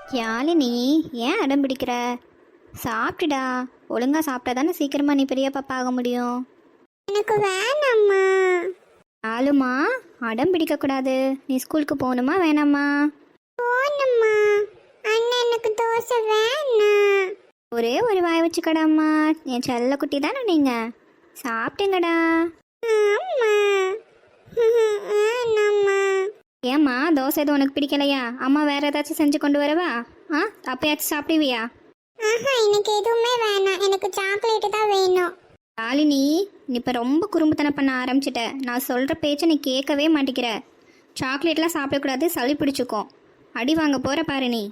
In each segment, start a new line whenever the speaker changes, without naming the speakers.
யாழினி, ஏன் அடம் பிடிக்கிற? சாப்பிட்டுடா. ஒழுங்கா சாப்பிட்டா தானே சீக்கிரமா நீ பெரிய பாப்பா ஆக முடியும்.
எனக்கு வேணாம்மா.
ஆளுமா, அடம் பிடிக்க கூடாது. நீ ஸ்கூலுக்கு போகணுமா வேணாமா?
போணும்மா. அண்ணன் எனக்கு தோசை வேணாம்.
ஒரே ஒரு வாய் வச்சுக்கடாம்மா. என் செல்ல குட்டி தானே நீங்க. சாப்பிட்டுங்கடா.
அம்மா. வேணாம்மா.
ஏம்மா, தோசை எதுவும் உனக்கு பிடிக்கலையா? அம்மா வேற ஏதாச்சும் செஞ்சு கொண்டு வரவா? அப்பயாச்சும் சாப்பிடுவியா?
ஆஹா, எனக்கு எதுவுமே வேணாம். எனக்கு சாக்லேட் தான் வேணும்.
யாழினி, நீ இப்போ ரொம்ப குறும்புத்தனம் பண்ண ஆரம்பிச்சிட்ட. நான் சொல்கிற பேச்சை நீ கேட்கவே மாட்டேங்கிற. சாக்லேட்லாம் சாப்பிடக்கூடாது, சளி பிடிச்சிக்கும். அடி வாங்க போகிற பாரு நீ.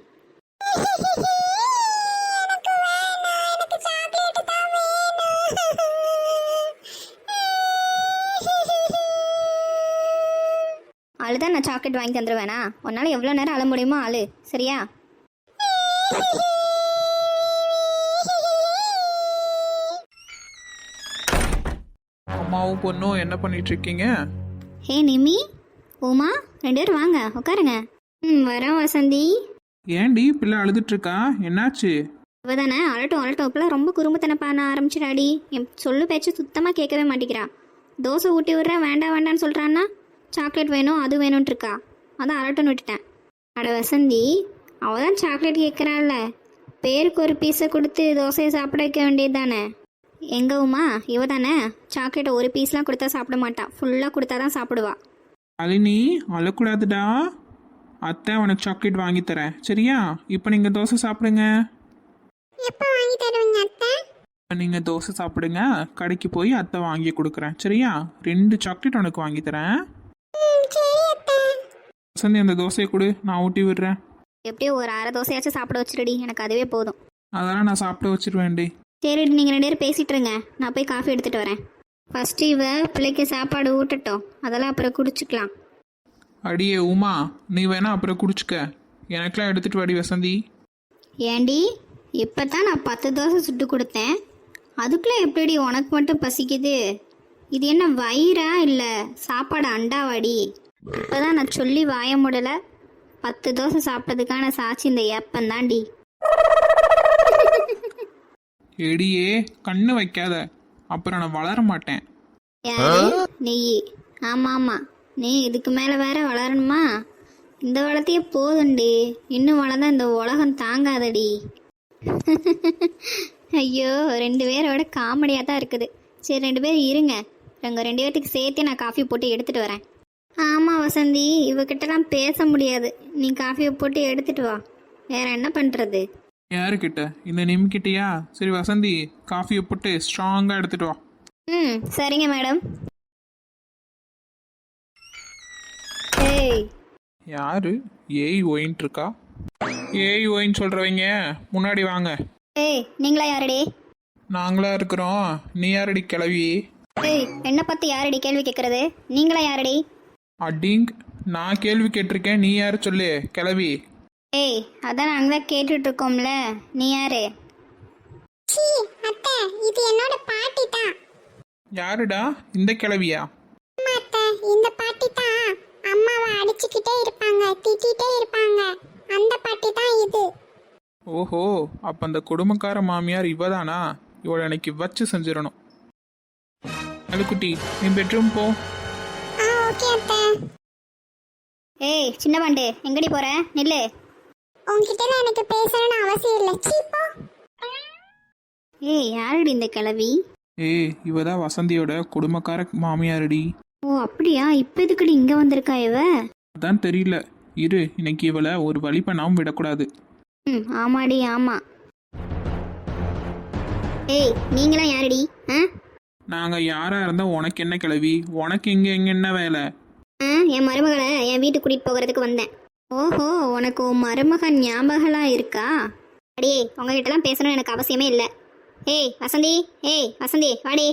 எனக்கு வேணாம். எனக்கு சாக்லேட் தான் வேணும்.
அழுதான் நான் சாக்லேட் வாங்கி தந்துடுவேனா? உன்னால் எவ்வளோ நேரம் அழ முடியுமோ அழு, சரியா?
அம்மாவும் பொண்ணும் என்ன பண்ணிட்டு இருக்கீங்க?
ஹே நிமி, உமா, 2 பேரும் வாங்க உட்காருங்க. வரோம் வசந்தி.
ஏன்டி பிள்ளை அழுதுட்டு இருக்கா? என்னாச்சு?
இவ தானே அழட்டும் அழட்டும். இப்பெல்லாம் ரொம்ப குறும்புத்தனம் பண்ண ஆரம்பிச்சிடாடி. என் சொல்லு பேச்சு சுத்தமாக கேட்கவே மாட்டேங்கிறா. தோசை ஊட்டி விட்றேன், வேண்டாம் வேண்டான்னு சொல்கிறான்னா சாக்லேட் வேணும் அது வேணும்னு இருக்கா. அதான் அழட்டும்னு விட்டுட்டேன். அட வசந்தி, அவள் தான் சாக்லேட் கேட்குறாள்ல, பேருக்கு ஒரு பீஸை கொடுத்து தோசையை சாப்பிட வைக்க வேண்டியது தானே. எங்க உமா, இவ தானே சாக்லேட்டை ஒரு பீஸ்லாம் கொடுத்தா சாப்பிட மாட்டா, ஃபுல்லாக கொடுத்தா தான் சாப்பிடுவா.
அலினி, அழக்கூடாதுடா. அத்தை உனக்கு சாக்லேட் வாங்கி தரேன், சரியா? இப்போ நீங்கள் தோசை சாப்பிடுங்க.
எப்போ வாங்கி தருவீங்க அத்தை?
நீங்கள் தோசை சாப்பிடுங்க, கடைக்கு போய் அத்தை வாங்கி கொடுக்குறேன், சரியா? 2 சாக்லேட் உனக்கு வாங்கி தரேன்.
சரி அத்தை.
வசந்தி, அந்த தோசையை கொடு, நான் ஊட்டி விடுறேன்.
எப்படியோ ஒரு அரை தோசையாச்சும் சாப்பிட வச்சிருடி, எனக்கு அதுவே போதும்.
அதெல்லாம் நான் சாப்பிட வச்சிருவேன்டி.
சரி, நீங்கள் 2 பேரும் பேசிகிட்டு இருங்க, நான் போய் காஃபி எடுத்துகிட்டு வரேன். ஃபஸ்ட்டு இவ பிள்ளைக்கு சாப்பாடு ஊட்டட்டும், அதெல்லாம் அப்புறம் குடிச்சிக்கலாம்.
அடியே உமா, நீ வேணா அப்புறம் குடிச்சுக்க. எனக்கெல்லாம் எடுத்துட்டு வாடி வசந்தி.
ஏண்டி, இப்போ தான் நான் 10 தோசை சுட்டு கொடுத்தேன், அதுக்குள்ளே எப்படி உனக்கு மட்டும் பசிக்குது? இது என்ன வயிறா இல்லை சாப்பாடு அண்டாவாடி? இப்போ தான் நான் சொல்லி வாய முடலை. 10 தோசை சாப்பிட்டதுக்கான சாட்சி இந்த ஏப்பந்தாண்டி.
எடியே, கண்ணு வைக்காத, அப்புறம் நான் வளர மாட்டேன்.
யாரு நீ? ஆமாம் ஆமாம், நீ இதுக்கு மேலே வேற வளரணுமா? இந்த வளர்த்தியே போதுண்டி, இன்னும் வளர்ந்தா இந்த உலகம் தாங்காதடி. ஐயோ, 2 பேரோட காமெடியாக தான் இருக்குது. சரி, 2 பேர் இருங்க, உங்கள் 2 பேர்த்துக்கு சேர்த்தே நான் காஃபி போட்டு எடுத்துகிட்டு வரேன். ஆமாம் வசந்தி, இவகிட்டலாம் பேச முடியாது. நீ காஃபியை போட்டு எடுத்துகிட்டு வா, வேற என்ன பண்ணுறது?
யாருக்கிட்ட? இந்த நிம்கிட்டயா? சரி வசந்தி, காஃபியை போட்டு ஸ்ட்ராங்காக எடுத்துட்டு வா.
சரிங்க மேடம். ஏய்,
யாரு ஏய் ஒயின்ட்டு இருக்கா? ஏய் ஒயின் சொல்கிறவங்க முன்னாடி வாங்க.
ஏய், நீங்களா யாரடி?
நாங்களா இருக்கிறோம், நீ யாரடி கிளவி?
ஏய், என்னை பற்றி யாரடி கேள்வி கேட்குறது? நீங்களா யாரடி?
அடிங், நான் கேள்வி கேட்டிருக்கேன், நீ யாரு சொல்லு கிளவி.
ஏய், அதான் நாங்கள் தான் கேட்டுட்டு இருக்கோம்ல, நீ யாரு?
சீ அத்தை, இது என்னோட பாட்டி தான்.
யாருடா இந்த கிளவியா?
அம்மா அத்தை, இந்த பாட்டி தான் அம்மாவை அடிச்சுக்கிட்டே இருப்பாங்க, திட்டிகிட்டே இருப்பாங்க. அந்த பாட்டி தான் இது.
ஓஹோ, அப்போ அந்த கொடுமைக்கார மாமியார் இவதானா? இவளை எனக்கு வச்சு செஞ்சிடணும். அழுக்குட்டி, நீ பெட்ரூம் போ.
ஓகே அத்தை.
ஏய் சின்ன பாண்டு, எங்கடி போற? நில்லு.
உங்ககிட்ட எனக்கு பேசணும்னு அவசியம் இல்லை. சீப்போ.
ஏய், யாருடி இந்த கிழவி?
ஏய், இவதான் வசந்தியோட கொடுமைக்கார மாமியாரடி.
ஓ அப்படியா? இப்போ எதுக்குடி இங்கே வந்திருக்கா இவ?
அதான் தெரியல, இரு, இன்னைக்கு இவளை ஒரு வழி பண்ணாமல் விடக்கூடாது.
ஆமாடி ஆமாம். ஏய், நீங்களாம் யாருடி?
நாங்கள் யாராக இருந்தால் உனக்கு என்ன கிளவி? உனக்கு இங்கே என்ன வேலை?
என் மருமகளை என் வீட்டுக்கு கூட்டிகிட்டு போகிறதுக்கு வந்தேன். ஓஹோ, உனக்கு உன் மருமகன் ஞாபகம்லாம் இருக்கா? அடியே, உங்ககிட்டலாம் பேசணும்னு எனக்கு அவசியமே இல்லை. ஏய் வசந்தி, ஏய் வசந்தி, வாடி.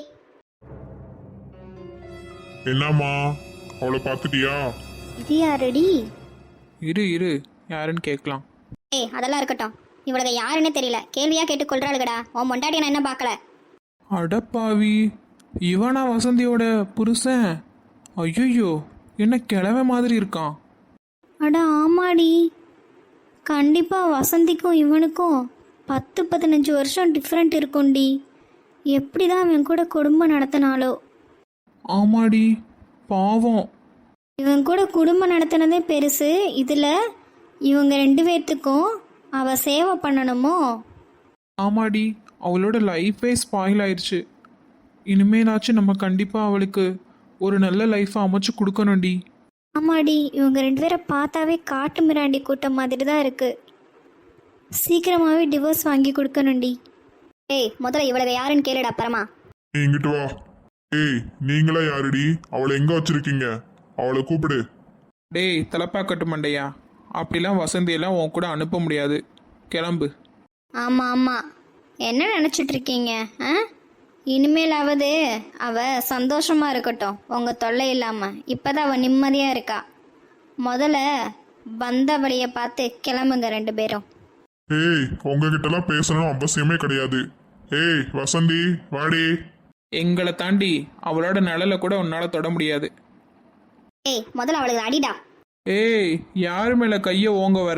என்னம்மா, அவளை பார்த்துட்டியா?
இது யாரடி?
இரு யாருன்னு கேட்கலாம்.
ஏய், அதெல்லாம் இருக்கட்டும். இவளுக்கு யாருன்னு தெரியல, கேள்வியாக கேட்டு கொள்றாளுகடா. உன் பொண்டாட்டி நான் என்ன பார்க்கல.
அடப்பாவி, இவனா வசந்தியோட புருஷன்? ஐயோ, என்ன கிழமை மாதிரி இருக்கான்.
அட ஆமாடி, கண்டிப்பாக வசந்திக்கும் இவனுக்கும் 10-15 வருஷம் டிஃப்ரெண்ட் இருக்கும்டி. எப்படி தான் இவன் கூட குடும்பம் நடத்தினாலோ.
ஆமாடி, பாவம்.
இவன் கூட குடும்பம் நடத்தினதே பெருசு, இதில் இவங்க 2 பேர்த்துக்கும் அவ சேவை பண்ணணுமோ.
ஆமாடி, அவளோட லைஃபே ஸ்பாயில் ஆயிடுச்சு. இனிமேலாச்சும் நம்ம கண்டிப்பாக அவளுக்கு ஒரு நல்ல லைஃப்பை அமைச்சு கொடுக்கணும்டி.
ஆமாடி, இவங்க 2 பேரை பார்த்தாவே காட்டு மிராண்டி கூட்டம் மாதிரி தான் இருக்கு. சீக்கிரமாகவே டிவோர்ஸ் வாங்கி கொடுக்கணும்டி. ஏய், முதல்ல இவளுக்கு யாருன்னு கேளுடா அப்புறமா.
நீ இங்கிட்டு வா. ஏய், நீங்களா யாருடி? அவளை எங்க வச்சிருக்கீங்க? அவளை கூப்பிடு.
டேய் தலைப்பாக்கட்டு மண்டையா, அப்படிலாம் வசந்தியெல்லாம் உன் கூட அனுப்ப முடியாது. கிளம்பு.
ஆமாம் ஆமாம், என்ன நினச்சிட்டு இருக்கீங்க? இனிமேலாவது அவ சந்தோஷமாக இருக்கட்டும், உங்கள் தொல்லை இல்லாமல். இப்போ தான் அவள் நிம்மதியாக இருக்கா. முதல்ல வந்த வழியை பார்த்து கிளம்புங்க 2 பேரும்.
ஏய், உங்ககிட்டலாம் பேசணும் அவசியமே கிடையாது. ஏய் வசந்தி, வாடி.
எங்களை தாண்டி அவளோட நிழலை கூட உன்னால் தொட முடியாது.
ஏய், முதல்ல அவளுக்கு அடிடா.
ஏய், யாரு மேலே கையை ஓங்க வர?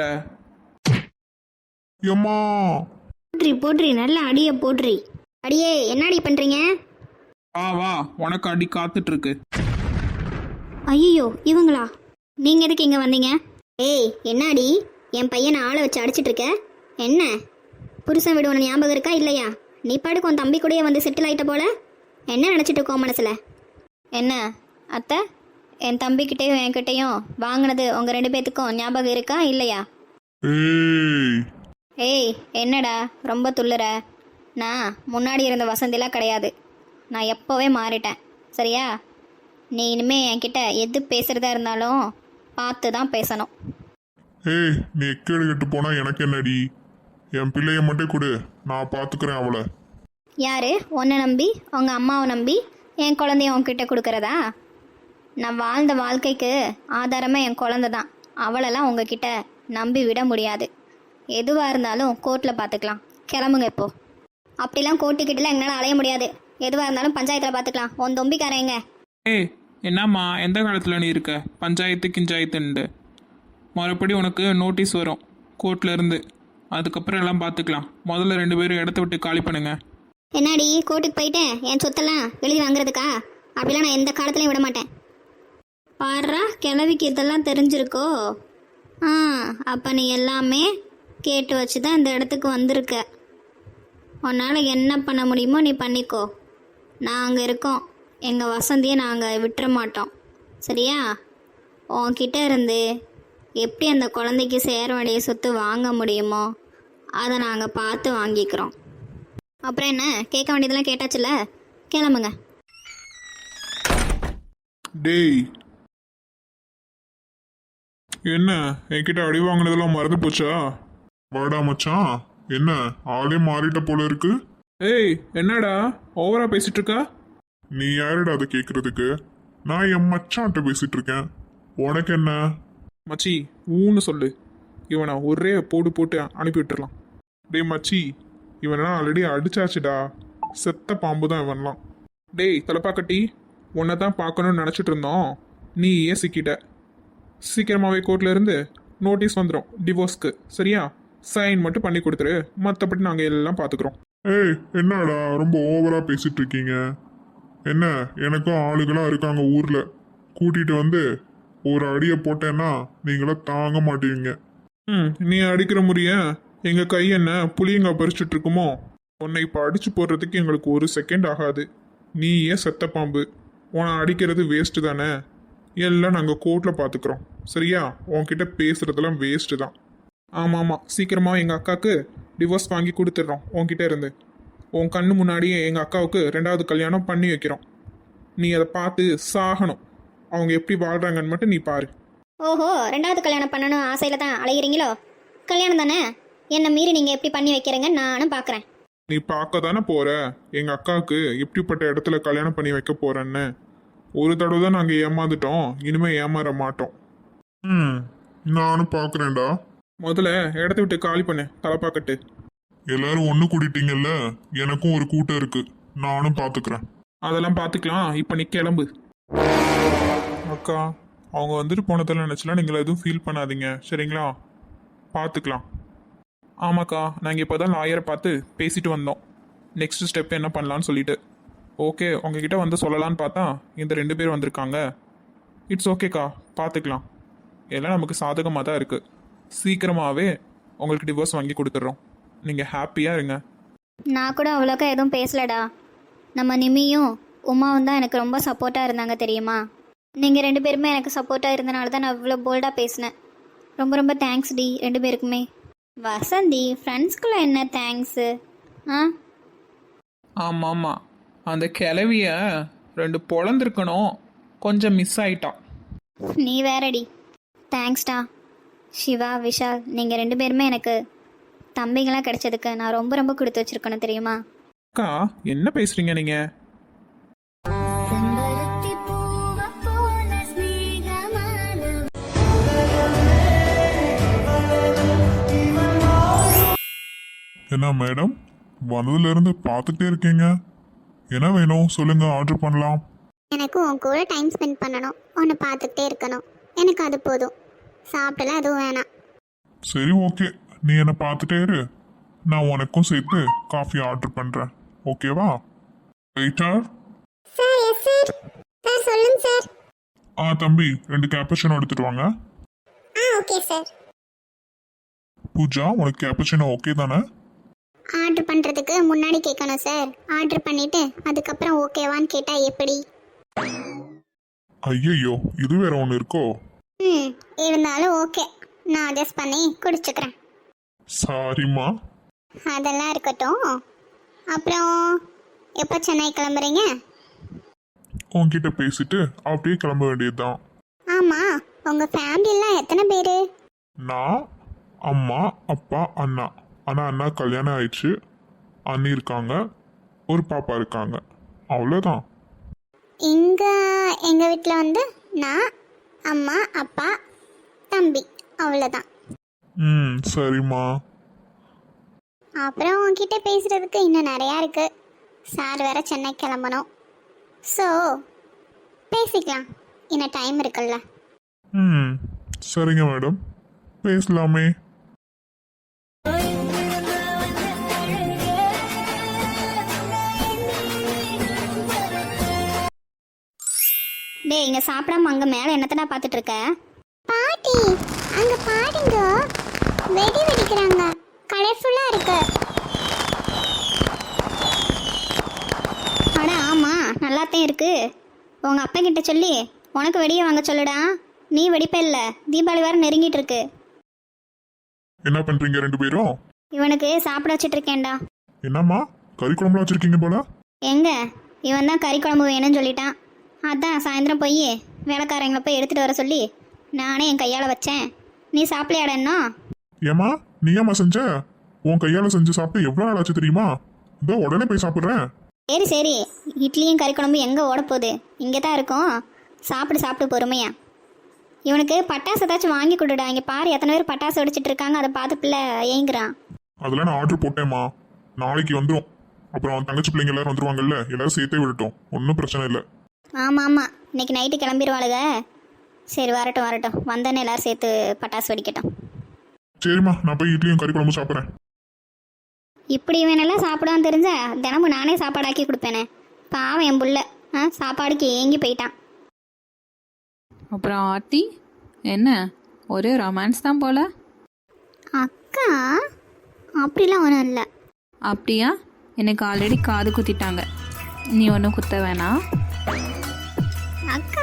எம்மா,
போட்ரி நல்ல அடியை போட்ரி. அடியே, என்ன அடி பண்ணுறீங்க?
வா, உனக்கு அடி காத்துட்டு இருக்கு.
ஐயோ, இவங்களா? நீங்கள் எதுக்கு இங்கே வந்தீங்க? ஏய், என்ன அடி? என் பையனை ஆளை வச்சு அடிச்சிட்டு இருக்க. என்ன புருஷன் வீடு ஒன்று ஞாபகம் இருக்கா இல்லையா? நீ பாட்டுக்கு உன் தம்பி கூடயே வந்து செட்டில் ஆகிட்ட போல. என்ன நினச்சிட்டு இருக்கோம் மனசில்? என்ன அத்தை, என் தம்பிக்கிட்டேயும் என்கிட்டையும் வாங்கினது உங்கள் 2 பேர்த்துக்கும் ஞாபகம் இருக்கா இல்லையா?
ஏய்,
ஏய், என்னடா ரொம்ப துள்ளுற? நான் முன்னாடி இருந்த வசந்திலாம் கிடையாது. நான் எப்போவே மாறிட்டேன், சரியா? நீ இனிமே என்கிட்ட எது பேசுகிறதா இருந்தாலும் பார்த்து தான் பேசணும்.
ஏய், நீ எக்கேடு கெட்டு போனா எனக்கு என்னடி? என் பிள்ளைய மட்டும் கொடு, நான் பாத்துக்கிறேன் அவளை.
யாரு? உன்னை நம்பி, உங்கள் அம்மாவை நம்பி என் குழந்தைய உன்கிட்ட கொடுக்குறதா? நான் வாழ்ந்த வாழ்க்கைக்கு ஆதாரமே என் குழந்தை தான். அவளெல்லாம் உங்ககிட்ட நம்பி விட முடியாது. எதுவாக இருந்தாலும் கோர்ட்டில் பார்த்துக்கலாம். கிளம்புங்க இப்போ. அப்படிலாம் கோர்ட்டுக்கிட்டலாம் எங்களால் அலைய முடியாது. எதுவாக இருந்தாலும் பஞ்சாயத்தில் பார்த்துக்கலாம். உன் தொம்பிக்காரங்க.
ஏய், என்னம்மா, எந்த காலத்தில் நீ இருக்க? பஞ்சாயத்து கிஞ்சாயத்துண்டு மறுபடி உனக்கு நோட்டீஸ் வரும் கோர்ட்ல இருந்து. அதுக்கப்புறம் எல்லாம் பார்த்துக்கலாம். முதல்ல 2 பேரும் இடத்த விட்டு காலி பண்ணுங்க.
என்னடி, கோர்ட்டுக்கு போயிட்டேன் என் சொத்தெல்லாம் எழுதி வாங்குறதுக்கா? அப்படிலாம் நான் எந்த காலத்துலையும் விட மாட்டேன். பாடுறா, கிளவிக்கு இதெல்லாம் தெரிஞ்சிருக்கோ? அப்போ நீ எல்லாமே கேட்டு வச்சு தான் இந்த இடத்துக்கு வந்திருக்க. உன்னால் என்ன பண்ண முடியுமோ நீ பண்ணிக்கோ. நாங்கள் இருக்கோம். எங்கள் வசந்தியை நாங்கள் விட்டுற மாட்டோம், சரியா? உன்கிட்ட இருந்து எப்படி அந்த குழந்தைக்கு சேர வேண்டிய சொத்து வாங்க முடியுமோ அதை நாங்கள் பார்த்து வாங்கிக்கிறோம். அப்புறம் என்ன, கேட்க வேண்டியதெல்லாம் கேட்டாச்சுல, கிளம்புங்க.
டேய், என்ன என்கிட்ட அடி வாங்கினதெல்லாம் மறந்து போச்சா? வாடா மச்சான், என்ன ஆளே மாறிட்ட போல இருக்கு.
ஏய், என்னடா ஓவரா பேசிட்டு இருக்கா?
நீ யாருடா அதை கேட்கறதுக்கு? நான் என் மச்சான்ட்ட பேசிட்டு இருக்கேன். உனக்கு என்ன?
மச்சி, ஊன்னு சொல்லு. இவனை ஒரே போட்டு அனுப்பி விட்டுறலாம்.
டேய் மச்சி, இவனா ஆல்ரெடி அடிச்சாச்சுடா. செத்த பாம்பு தான் இவன்லாம்.
டேய் தலைப்பாக்கட்டி, உன்னை தான் பார்க்கணும்னு நினச்சிட்டு இருந்தோம். நீ ஏன் சிக்கிட்ட? சீக்கிரமாகவே கோர்ட்ல இருந்து நோட்டீஸ் வந்துடும் டிவோர்ஸ்க்கு, சரியா? சைன் மட்டும் பண்ணி கொடுத்துரு, மற்றபடி நாங்கள் எல்லாம் பார்த்துக்குறோம்.
ஏய், என்னடா ரொம்ப ஓவரா பேசிட்டு இருக்கீங்க? என்ன, எனக்கும் ஆளுகளா இருக்காங்க ஊர்ல. கூட்டிட்டு வந்து ஒரு அடியை போட்டேன்னா நீங்களாம் தாங்க மாட்டீங்க.
நீ அடிக்கிற முறைய எங்கள் கை என்ன புளியங்க பறிச்சுட்டு இருக்குமோ? உன்னை இப்போ அடிச்சு போடுறதுக்கு எங்களுக்கு 1 செகண்ட் ஆகாது. நீ ஏன் செத்த பாம்பு? உன்னை அடிக்கிறது வேஸ்ட்டு தானே. எல்லாம் நாங்கள் கோர்ட்டில் பார்த்துக்குறோம், சரியா? உன்கிட்ட பேசுகிறதெல்லாம் வேஸ்ட்டு தான். ஆமாம், சீக்கிரமாக எங்கள் அக்காவுக்கு டிவோர்ஸ் வாங்கி கொடுத்துட்றோம். உன்கிட்ட இருந்து உன் கண்ணு முன்னாடியே எங்கள் அக்காவுக்கு 2வது கல்யாணம் பண்ணி வைக்கிறோம். நீ அதை பார்த்து சாகணும். அவங்க எப்படி வாழ்கிறாங்கன்னு மட்டும் நீ பாரு.
ஓஹோ, 2வது கல்யாணம் பண்ணணும் ஆசையில் தான் அலைகிறீங்களோ? கல்யாணம் தானே, என்னை மீறி நீங்கள் எப்படி பண்ணி வைக்கிறீங்க நானும் பார்க்குறேன்.
நீ பார்க்க தானே போற எங்க அக்காவுக்கு எப்படிப்பட்ட இடத்துல கல்யாணம் பண்ணி வைக்க போறேன்னு. ஒரு தடவை தான் நாங்கள் ஏமாந்துட்டோம், இனிமே ஏமாற மாட்டோம். நானும் பார்க்குறேன்டா.
முதல்ல இடத்த விட்டு காலி பண்ணு தலைப்பாக்கட்டு.
எல்லாரும் ஒன்று கூட்டிட்டீங்கல்ல, எனக்கும் ஒரு கூட்டம் இருக்கு, நானும் பார்த்துக்கிறேன்.
அதெல்லாம் பார்த்துக்கலாம். இப்போ நீ கிளம்பு.
அக்கா, அவங்க வந்துட்டு போனதெல்லாம் நினச்சலாம் நீங்கள் எதுவும் ஃபீல் பண்ணாதீங்க, சரிங்களா? பார்த்துக்கலாம். ஆமாக்கா, நாங்கள் இப்போ தான் லாயரை பார்த்து பேசிட்டு வந்தோம். நெக்ஸ்ட் ஸ்டெப் என்ன பண்ணலான்னு சொல்லிட்டு. ஓகே, உங்ககிட்ட வந்து சொல்லலான்னு பார்த்தா இந்த 2 பேர் வந்திருக்காங்க. இட்ஸ் ஓகேக்கா, பார்த்துக்கலாம். எல்லாம் நமக்கு சாதகமாக தான் இருக்குது. சீக்கிரமாகவே உங்களுக்கு டிவோர்ஸ் வாங்கி கொடுத்துட்றோம். நீங்கள் ஹாப்பியாக இருங்க.
நான் கூட அவ்வளோக்கா எதுவும் பேசலடா. நம்ம நிமியும் உமாவும் தான் எனக்கு ரொம்ப சப்போர்ட்டாக இருந்தாங்க தெரியுமா. நீங்கள் 2 பேருமே எனக்கு சப்போர்ட்டாக இருந்தனால தான் நான் இவ்வளோ போல்டாக பேசினேன். ரொம்ப ரொம்ப தேங்க்ஸ் டி 2 பேருக்குமே. வசந்தி, ஃப்ரெண்ட்ஸ்குள்ளே என்ன தேங்க்ஸு? ஆ
ஆமாம் ஆமாம், அந்த கிளவிய 2 பொழந்திருக்கணும், கொஞ்சம் மிஸ் ஆயிட்டான்.
நீ வேறடி. தேங்க்ஸ்டா. சிவா, விஷால், நீங்கள் 2 பேருமே எனக்கு தம்பிங்களாம் கிடைச்சதுக்கு நான் ரொம்ப ரொம்ப கொடுத்து வச்சிருக்கணும் தெரியுமா.
அக்கா, என்ன பேசுகிறீங்க நீங்கள்?
என்ன மேடம், வந்ததுலேருந்து பார்த்துட்டே இருக்கீங்க. என்ன வேணும் சொல்லுங்க, ஆர்டர் பண்ணலாம்.
எனக்கு உன் கூட டைம் ஸ்பெண்ட் பண்ணணும், உன்னை பார்த்துக்கிட்டே இருக்கணும். எனக்கு அது போதும். சாப்பிடலாம் எதுவும் வேணாம்.
சரி ஓகே, நீ என்னை பார்த்துட்டே இரு. நான் உனக்கும் சேர்த்து காஃபி ஆர்டர் பண்ணுறேன். ஓகேவா? Waiter.
Sir, yes sir. Sir சொல்லுங்க சார்.
தம்பி 2 கேப்பச்சினோ எடுத்துட்டு வாங்க.
Okay sir.
பூஜா, உனக்கு கேப்பச்சினோ ஓகே தானே?
ஆர்டர் பண்ணுறதுக்கு முன்னாடி கேட்கணும் சார். ஆர்டர் பண்ணிவிட்டு அதுக்கப்புறம் ஓகேவான்னு கேட்டால் எப்படி?
ஐயையோ, இது வேற ஒன்று இருக்கோ?
இருந்தாலும் ஓகே, நான் அட்ஜஸ்ட் பண்ணி குடிச்சுக்கிறேன்.
சாரிம்மா.
அதெல்லாம் இருக்கட்டும். அப்புறம் எப்போ சென்னை கிளம்புறீங்க?
உன்கிட்ட பேசிட்டு அப்படியே கிளம்ப வேண்டியதுதான்.
ஆமாம், உங்கள் ஃபேமிலியெல்லாம் எத்தனை பேர்?
நான், அம்மா, அப்பா, அண்ணா. ஆனால் அண்ணா கல்யாணம் ஆயிடுச்சு. அண்ணி இருக்காங்க, ஒரு பாப்பா இருக்காங்க. அவ்வளோதான்.
எங்கள் வீட்டில் வந்து நான், அம்மா, அப்பா, தம்பி, அவ்வளோதான்.
சரிம்மா.
அப்புறம் உங்ககிட்ட பேசுகிறதுக்கு இன்னும் நிறையா இருக்குது. சார் வேற சென்னை கிளம்பணும். ஸோ பேசிக்கலாம், இன்னும் டைம் இருக்குல்ல.
சரிங்க மேடம், பேசலாமே.
டேய், இங்கே சாப்பிடாம அங்கே மேலே என்னத்தடா பார்த்துட்டு இருக்க?
பாட்டி, அங்க பாருங்க, வெடி வெடிக்கிறாங்க. கலர்ஃபுல்லா இருக்கு.
அட ஆமாம், நல்லாத்தான் இருக்கு. உங்கள் அப்பா கிட்ட சொல்லி உனக்கு வெடியை வாங்க சொல்லுடா. நீ வெடிப்ப இல்லை, தீபாவளி வேறு நெருங்கிட்டு இருக்கு.
என்ன பண்றீங்க 2 பேரும்?
இவனுக்கு சாப்பிட வச்சிட்டு இருக்கேன்டா.
என்னம்மா, கறி குழம்புலாம் வச்சிருக்கீங்க போல?
எங்க இவன் தான் கறி குழம்பு வேணும்னு சொல்லிட்டான். அதான் சாயந்தரம் போய் வேலைக்காரங்களை போய் எடுத்துகிட்டு வர சொல்லி நானே என் கையால் வச்சேன். நீ சாப்பிடலையாடன்னா?
ஏம்மா, நீ ஏம்மா செஞ்ச? உன் கையால் செஞ்சு சாப்பிட்டு எவ்வளோ நாள் ஆச்சு தெரியுமா? இதோ உடனே போய் சாப்பிட்றேன்.
சரி சரி, இட்லியும் கறி குழம்பு எங்கே ஓடப்போகுது? இங்கே தான் இருக்கும். சாப்பிட்டு பொறுமையா. இவனுக்கு பட்டாசு ஏதாச்சும் வாங்கி கொடுடா. இங்கே பாரு, எத்தனை பேர் பட்டாசு வெடிச்சிட்டு இருக்காங்க. அதை பார்த்து பிள்ளை ஏங்குறான்.
அதெல்லாம் நான் ஆர்டர் போட்டேம்மா, நாளைக்கு வந்துடும். அப்புறம் தங்கச்சி பிள்ளைங்க எல்லாரும் வந்துருவாங்கல்ல, எல்லாரும் சேர்த்தே விடட்டும், ஒன்றும் பிரச்சனை இல்லை.
ஆமாம் ஆமாம், இன்னைக்கு நைட்டு கிளம்பிடுவாளுங்க. சரி, வரட்டும், வந்தேன்னு எல்லாரும் சேர்த்து பட்டாசு வெடிக்கட்டும்.
சரிம்மா, நான் போய் இட்லியும் கறி குழம்பு சாப்பிட்றேன்.
இப்படி இவனெல்லாம் சாப்பிடான்னு தெரிஞ்சா தினமும் நானே சாப்பாடாக்கி கொடுப்பேனே. பாவம் என் புள்ள சாப்பாடுக்கு ஏங்கி போயிட்டான்.
அப்புறம் ஆர்த்தி, என்ன ஒரே ரொமான்ஸ் தான் போல?
அக்கா, அப்படிலாம் ஒன்றும் இல்லை.
அப்படியா? எனக்கு ஆல்ரெடி காது குத்திட்டாங்க, நீ ஒன்றும் குத்த வேணாம்.
அக்கா,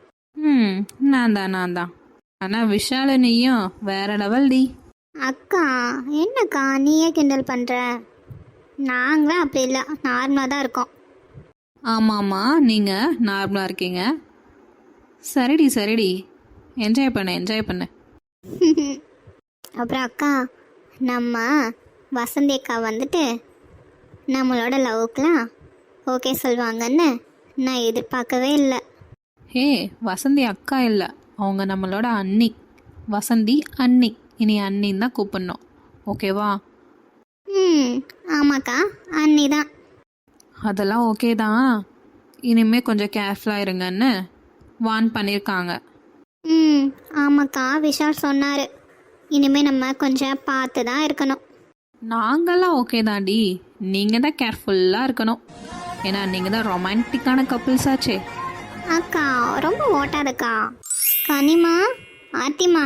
நான் தான். ஆனால் விஷால நீயும் வேற லெவல் டி.
அக்கா என்னக்கா நீயே கிண்டல் பண்ணுற? நாங்களும் அப்படி இல்லை, நார்மலாக தான் இருக்கோம்.
ஆமாம்மா, நீங்கள் நார்மலாக இருக்கீங்க. சரிடி, என்ஜாய் பண்ணு.
அப்புறம் அக்கா, நம்ம வசந்தி அக்கா வந்துட்டு நம்மளோட லவ்வுக்கெலாம் ஓகே சொல்லுவாங்கன்னு நான் எதிர்பார்க்கவே இல்லை.
ஹே, வசந்தி அக்கா இல்லை, அவங்க நம்மளோட அண்ணி. வசந்தி அண்ணி, இனி அண்ணின்னு தான் கூப்பிடணும். ஓகேவா?
ஆமாக்கா, அண்ணி தான்.
அதெல்லாம் ஓகே தான். இனிமேல் கொஞ்சம் கேர்ஃபுல்லாக இருங்கன்னு வார்ன் பண்ணியிருக்காங்க.
ஆமாக்கா, விஷால் சொன்னார்.
இனிமேல் நம்ம கொஞ்சம் பார்த்து தான் இருக்கணும்.
நாங்கள்லாம் ஓகே தாண்டி, நீங்கள் தான் கேர்ஃபுல்லாக இருக்கணும். ஏன்னா நீங்கள் தான் ரொமான்டிக்கான கப்புள்ஸ் ஆச்சே.
அக்கா ரொம்ப ஓட்டாதக்கா. கனிமா, ஆத்திமா,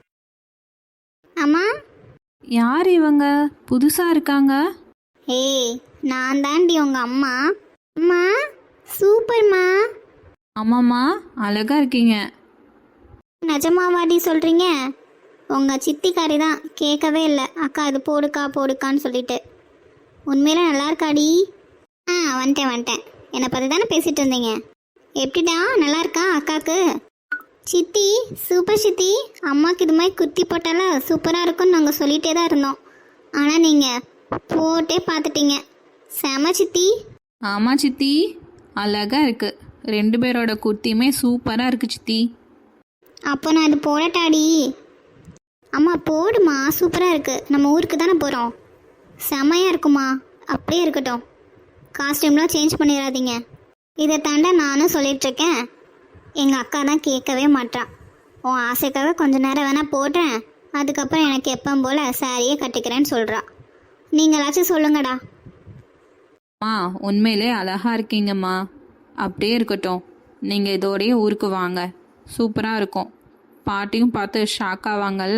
அம்மா.
யார் இவங்க புதுசாக இருக்காங்க?
ஏய், நான் தாண்டி உங்க அம்மா. அம்மா சூப்பர்மா.
ஆமாம்மா, அழகாக இருக்கீங்க.
நிஜமாவாடி சொல்கிறீங்க? உங்கள் சித்திக்காரி தான் கேட்கவே இல்லை அக்கா இது போடுக்கா போடுக்கான்னு சொல்லிட்டு. உண்மையில நல்லா இருக்காடி? வந்துட்டேன். என்னை பற்றி தானே பேசிகிட்டு இருந்தீங்க. எப்படிடா நல்லா இருக்கா அக்காவுக்கு? சித்தி சூப்பர் சித்தி. அம்மாவுக்கு இது மாதிரி குத்தி போட்டால சூப்பராக இருக்கும்னு நாங்கள் சொல்லிகிட்டே தான் இருந்தோம். ஆனால் நீங்கள் போட்டே பார்த்துட்டீங்க. செம சித்தி.
ஆமாம் சித்தி, அழகாக இருக்கு. 2 பேரோட குர்த்தியுமே சூப்பராக இருக்கு சித்தி.
அப்போ நான் இது போடட்டாடி? அம்மா போடுமா, சூப்பராக இருக்குது. நம்ம ஊருக்கு தானே போகிறோம். செமையாக இருக்குமா. அப்படியே இருக்கட்டும். காஸ்டியூம்லாம் சேஞ்ச் பண்ணிடாதீங்க. இதை தாண்ட நானும் சொல்லிகிட்ருக்கேன். எங்கள் அக்கா தான் கேட்கவே மாட்டான். உன் ஆசைக்காக கொஞ்ச நேரம் வேணால் போடுறேன், அதுக்கப்புறம் எனக்கு எப்போ போல் சாரியே கட்டிக்கிறேன்னு சொல்கிறா. நீங்களாச்சும் சொல்லுங்கடா.
அம்மா உண்மையிலே அழகாக இருக்கீங்கம்மா. அப்படியே இருக்கட்டும். நீங்கள் இதோடையே ஊருக்கு வாங்க, சூப்பராக இருக்கும். பாட்டியும் பார்த்து ஷாக் ஆவாங்கல்ல.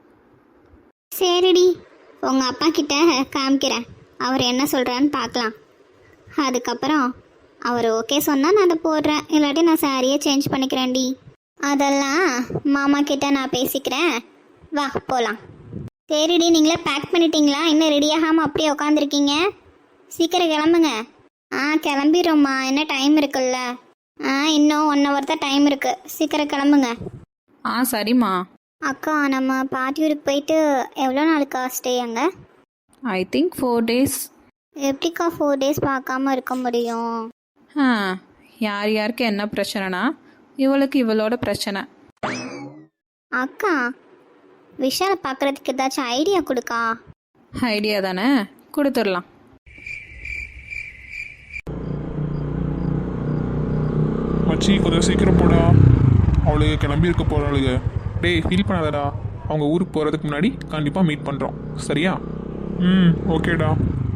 சரிடி, உங்கள் அப்பா கிட்ட காமிக்கிறேன். அவர் என்ன சொல்கிறான்னு பார்க்கலாம். அதுக்கப்புறம் அவர் ஓகே சொன்னால் நான் அதை போடுறேன், இல்லாட்டி நான் சாரியே சேஞ்ச் பண்ணிக்கிறேன்டி. அதெல்லாம் மாமா கிட்ட நான் பேசிக்கிறேன். வா போகலாம். சரிடி, நீங்களே பேக் பண்ணிட்டீங்களா? இன்னும் ரெடி ஆகாமல் அப்படியே உட்காந்துருக்கீங்க. சீக்கிரம் கிளம்புங்க. கிளம்பிடுறோம்மா, என்ன டைம் இருக்குல்ல. இன்னும் 1 hour தான் டைம் இருக்குது. சீக்கிரம் கிளம்புங்க.
சரிம்மா.
அக்கா நம்ம பாட்டியூருக்கு போயிட்டு எவ்வளோ நாளுக்கா ஸ்டே அங்கே?
I think 4 days.
எப்படிக்கா 4 days பார்க்காம இருக்க முடியும்?
யார் யாருக்கு என்ன பிரச்சனைனா இவளுக்கு இவளோட பிரச்சனை.
அக்கா விஷாலை பார்க்குறதுக்கு ஏதாச்சும் ஐடியா கொடுக்கா.
ஐடியா தானே, கொடுத்துடலாம்.
மச்சி கொஞ்சம் சீக்கிரம் போடா, அவளுக்கு கிளம்பி இருக்க போகிறாளுங்க.
டேய் ஃபீல் பண்ணாதடா, அவங்க ஊருக்கு போகிறதுக்கு முன்னாடி கண்டிப்பாக மீட் பண்ணுறோம், சரியா?
ஓகேடா.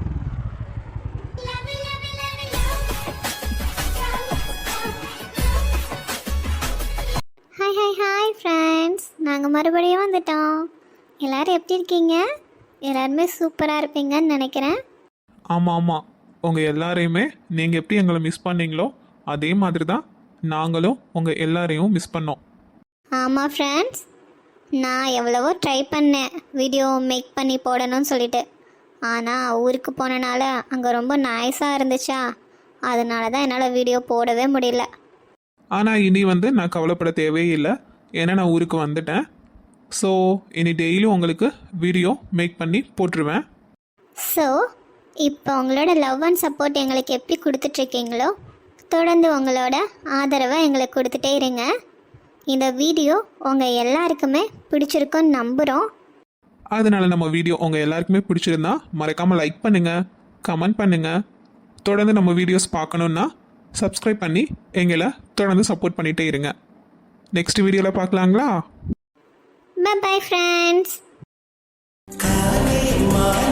ஹாய் ஃப்ரெண்ட்ஸ், நாங்கள் மறுபடியும் வந்துட்டோம். எல்லோரும் எப்படி இருக்கீங்க? எல்லாருமே சூப்பராக இருப்பீங்கன்னு நினைக்கிறேன்.
ஆமாம், உங்கள் எல்லாரையுமே நீங்கள் எப்படி எங்களை மிஸ் பண்ணீங்களோ அதே மாதிரி தான் நாங்களும் உங்கள் எல்லாரையும் மிஸ் பண்ணோம்.
ஆமாம் ஃப்ரெண்ட்ஸ், நான் எவ்வளவோ ட்ரை பண்ணேன் வீடியோ மேக் பண்ணி போடணும்னு சொல்லிட்டு. ஆனால் ஊருக்கு போனனால அங்கே ரொம்ப நாய்ஸாக இருந்துச்சா, அதனால தான் என்னால் வீடியோ போடவே முடியல.
ஆனால் இனி நான் கவலைப்பட தேவையே இல்லை, ஏன்னா நான் ஊருக்கு வந்துட்டேன். ஸோ இனி டெய்லியும் உங்களுக்கு வீடியோ மேக் பண்ணி போட்டுருவேன்.
ஸோ இப்போ உங்களோட லவ் அண்ட் சப்போர்ட் எங்களுக்கு எப்படி கொடுத்துட்ருக்கீங்களோ தொடர்ந்து உங்களோட ஆதரவை எங்களுக்கு கொடுத்துட்டே இருங்க. இந்த வீடியோ உங்கள் எல்லாருக்குமே பிடிச்சிருக்குன்னு நம்புகிறோம்.
அதனால நம்ம வீடியோ உங்கள் எல்லாருக்குமே பிடிச்சிருந்தா மறக்காமல் லைக் பண்ணுங்கள், கமெண்ட் பண்ணுங்கள். தொடர்ந்து நம்ம வீடியோஸ் பார்க்கணுன்னா சப்ஸ்கிரைப் பண்ணி எங்களை தொடர்ந்து சப்போர்ட் பண்ணிகிட்டே இருங்க. நெக்ஸ்ட் வீடியோவில் பார்க்கலாங்களா?
Bye friends.